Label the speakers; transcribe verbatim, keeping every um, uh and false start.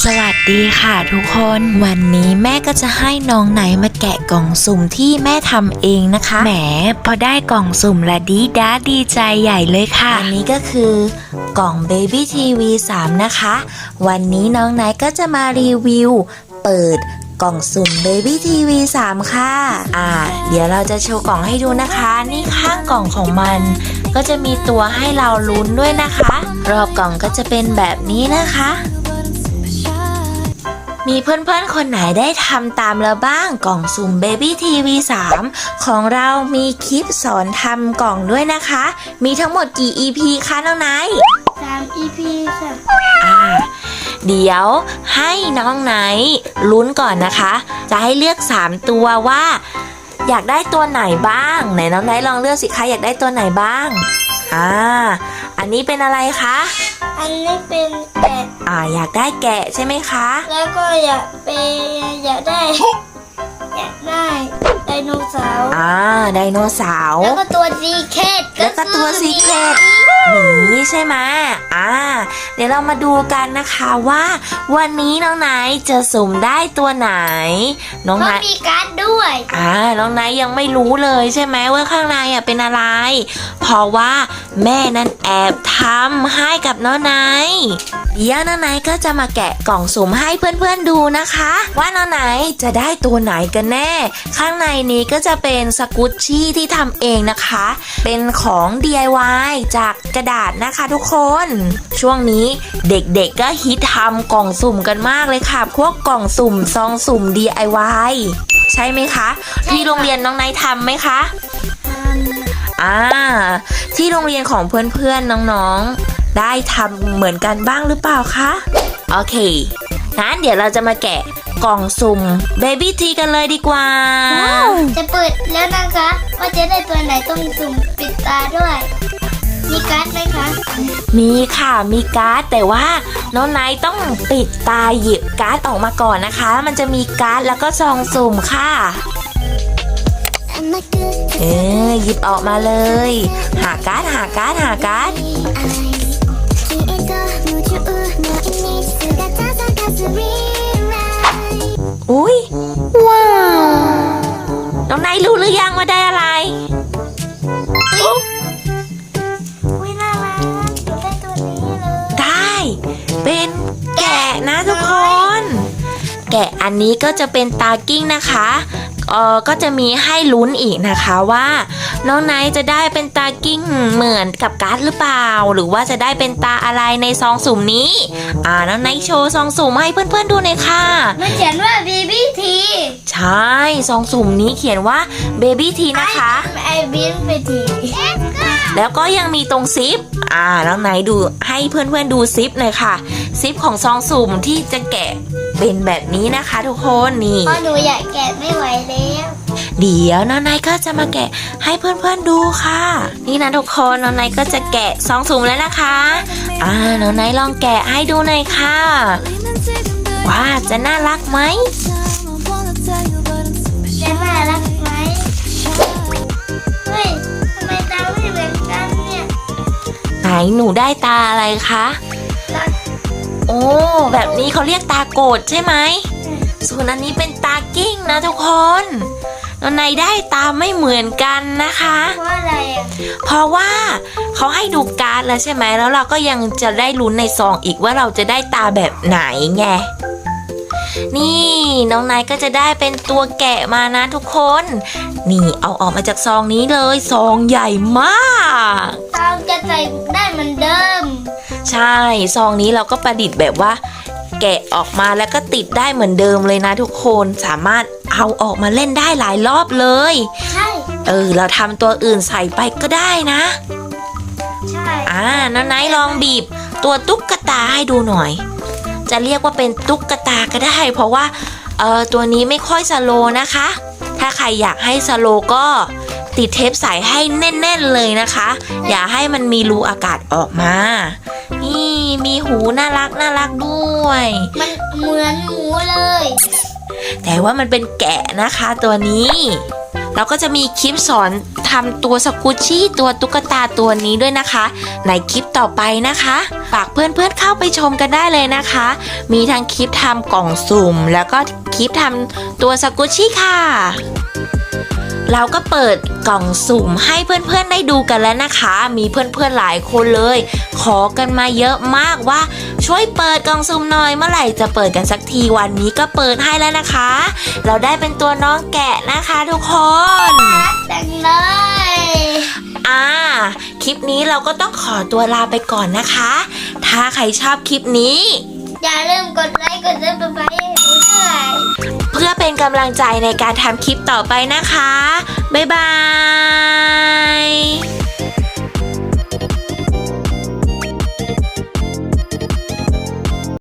Speaker 1: วัสดีค่ะทุกคนวันนี้แม่ก็จะให้น้องไหนมาแกะกล่องสุ่มที่แม่ทำเองนะคะแหมพอได้กล่องสุ่มละดีด้าดีใจใหญ่เลยค่ะอันนี้ก็คือกล่อง Baby ที วี สาม นะคะวันนี้น้องไหนก็จะมารีวิวเปิดกล่องสุ่ม Baby ที วี สาม ค่ะอ่าเดี๋ยวเราจะโชว์กล่องให้ดูนะคะนี่ข้างกล่องของมันก็จะมีตัวให้เราลุ้นด้วยนะคะรอบกล่องก็จะเป็นแบบนี้นะคะมีเพื่อนๆคนไหนได้ทำตามแล้วบ้างกล่องสุ่ม Baby ที วี สาม ของเรามีคลิปสอนทำกล่องด้วยนะคะมีทั้งหมดกี่ อี พี คะน้องไนท์
Speaker 2: สาม อี พี ค่ะ
Speaker 1: อ่าเดี๋ยวให้น้องไนท์ลุ้นก่อนนะคะจะให้เลือกสามตัวว่าอยากได้ตัวไหนบ้างไหนน้องไนท์ลองเลือกสิคะอยากได้ตัวไหนบ้างอ่าอันนี้เป็นอะไรคะ
Speaker 2: อันนี้เป็นแกะ
Speaker 1: อ่าอยากได้แกะใช่ไหมคะ
Speaker 2: แล้วก็อยากเป็นอยากได้อยากได้ไดโนเสาร์
Speaker 1: อ่าไดโนเสาร์
Speaker 2: แล้วก็ตัวซีเคท
Speaker 1: แล้วก็ตัวซีเคทหมีใช่ไหมอ่าเดี๋ยวเรามาดูกันนะคะว่าวันนี้น้องไนท์จะสุ่มได้ตัวไหนน้องไนท์
Speaker 2: มีการ์ดด้วย
Speaker 1: อ่าน้องไนท์ยังไม่รู้เลยใช่ไหมว่าข้างในอ่ะเป็นอะไรเพราะว่าแม่นั่นแอบทำให้กับน้องไนท์เดี๋ยวน้องไนท์ก็จะมาแกะกล่องสุ่มให้เพื่อนๆดูนะคะว่าน้องไนท์จะได้ตัวไหนกันแน่ข้างในนี้ก็จะเป็นสกุชชี่ที่ทำเองนะคะเป็นของ ดี ไอ วาย จากกระดาษนะคะทุกคนช่วงนี้เด็กๆก็ฮิตทำกล่องสุ่มกันมากเลยค่ะพวกกล่องสุ่มซองสุ่ม ดี ไอ วาย ใช่ไหมคะที่โรงเรียนน้องไนท์ทำไหมคะอ่าที่โรงเรียนของเพื่อนๆน้องๆได้ทำเหมือนกันบ้างหรือเปล่าคะโอเคงั้นเดี๋ยวเราจะมาแกะกล่องสุ่ม Baby ที กันเลยดีกว่า
Speaker 2: จะเปิดแล้วนะคะว่าจะได้ตัวไหนต้องสุ่มปิดตาด้วยมีการ์ดไหมคะ
Speaker 1: มีค่ะมีการ์ดแต่ว่าน้องไนท์ต้องปิดตาหยิบการ์ดออกมาก่อนนะคะมันจะมีการ์ดแล้วก็ซองสุ่มค่ะเออหยิบออกมาเลยหาการ์ดหาการ์ดหาการ์ดอุ้ยว้าวน้องไนท์รู้หรือยังว่าได้อะไร
Speaker 2: อุ้ยน่ารักได้ตัวนี้เลย
Speaker 1: ได้เป็นแกะนะทุกคนแกะอันนี้ก็จะเป็นตากิ้งนะคะเออก็จะมีให้ลุ้นอีกนะคะว่าน้องไนท์จะได้เป็นตากิ้งเหมือนกับการ์ดหรือเปล่าหรือว่าจะได้เป็นตาอะไรในซองสุ่มนี้อ่าน้องไนท์โชว์ซองสุ่มให้เพื่อนๆดูหน่อยค่ะ
Speaker 2: มันเขียนว่า Baby ที
Speaker 1: ใช่ซองสุ่มนี้เขียนว่า Baby ที นะคะ
Speaker 2: ไอบินไปที
Speaker 1: แล้วก็ยังมีตรงซิปอ่าน้องไนท์ดูให้เพื่อนๆดูซิปหน่อยค่ะซิปของซองสุ่มที่จะแกะเป็นแบบนี้นะคะทุกคนนี่
Speaker 2: พอหนูอยากแกะไม่ไหวแล้ว
Speaker 1: เดี๋ยวน้องไนท์ก็จะมาแกะให้เพื่อนๆดูค่ะนี่นะทุกคนน้องไนท์ก็จะแกะซองสุ่มแล้วนะคะอ่าน้องไนท์ลองแกะให้ดูหน่อยค่ะว่าจะน่ารักไหม
Speaker 2: จะน่ารักไหมเฮ้ยทำไมตาไม่เหมือนกันเนี่ย
Speaker 1: ไหนหนูได้ตาอะไรคะโอ้แบบนี้เขาเรียกตาโกดใช่ไหมส่วนอันนี้เป็นตากิ้งนะทุกคนน้องไนท์ได้ตาไม่เหมือนกันนะคะ
Speaker 2: เพราะอะไรอ่ะ
Speaker 1: เพราะว่าเขาให้ดูการ์ดแล้วใช่ไหมแล้วเราก็ยังจะได้ลุ้นในซองอีกว่าเราจะได้ตาแบบไหนไงนี่น้องไนท์ก็จะได้เป็นตัวแกะมานะทุกคนนี่เอาออกมาจากซองนี้เลยซองใหญ่มาก
Speaker 2: ซองจะใส่ได้เหมือนเดิม
Speaker 1: ใช่ซองนี้เราก็ประดิษฐ์แบบว่าแกะออกมาแล้วก็ติดได้เหมือนเดิมเลยนะทุกคนสามารถเอาออกมาเล่นได้หลายรอบเลย
Speaker 2: ใช่
Speaker 1: เออเราทำตัวอื่นใส่ไปก็ได้นะ
Speaker 2: ใช่
Speaker 1: อ่าน้องไนท์ลองบีบตัวตุ๊กตาให้ดูหน่อยจะเรียกว่าเป็นตุ๊กตาก็ได้เพราะว่าเออตัวนี้ไม่ค่อยสโลว์นะคะถ้าใครอยากให้สโลว์ก็ติดเทปใส่ให้แน่นๆเลยนะคะอย่าให้มันมีรูอากาศออกมานี่มีหูน่ารักน่ารักด้วย
Speaker 2: มันเหมือนหมูเลย
Speaker 1: แต่ว่ามันเป็นแกะนะคะตัวนี้แล้วก็จะมีคลิปสอนทำตัวสกูชี่ตัวตุ๊กตาตัวนี้ด้วยนะคะในคลิปต่อไปนะคะฝากเพื่อนๆเข้าไปชมกันได้เลยนะคะ มีทั้งคลิปทำกล่องสุ่มแล้วก็คลิปทำตัวสกูชี่ค่ะเราก็เปิดกล่องสุ่มให้เพื่อนๆได้ดูกันแล้วนะคะ มีเพื่อนๆหลายคนเลย ขอกันมาเยอะมากว่าช่วยเปิดกล่องสุ่มหน่อยเมื่อไหร่จะเปิดกันสักทีวันนี้ก็เปิดให้แล้วนะคะ เราได้เป็นตัวน้องแกะนะคะทุกคน
Speaker 2: รักจังเลย
Speaker 1: อ่าคลิปนี้เราก็ต้องขอตัวลาไปก่อนนะคะ ถ้าใครชอบคลิปนี้
Speaker 2: อย่าลืมกดไลค์กดซับสไครต์ให้หนูด้วย
Speaker 1: เพื่อเป็นกำลังใจในการทำคลิปต่อไปนะคะ บ๊ายบาย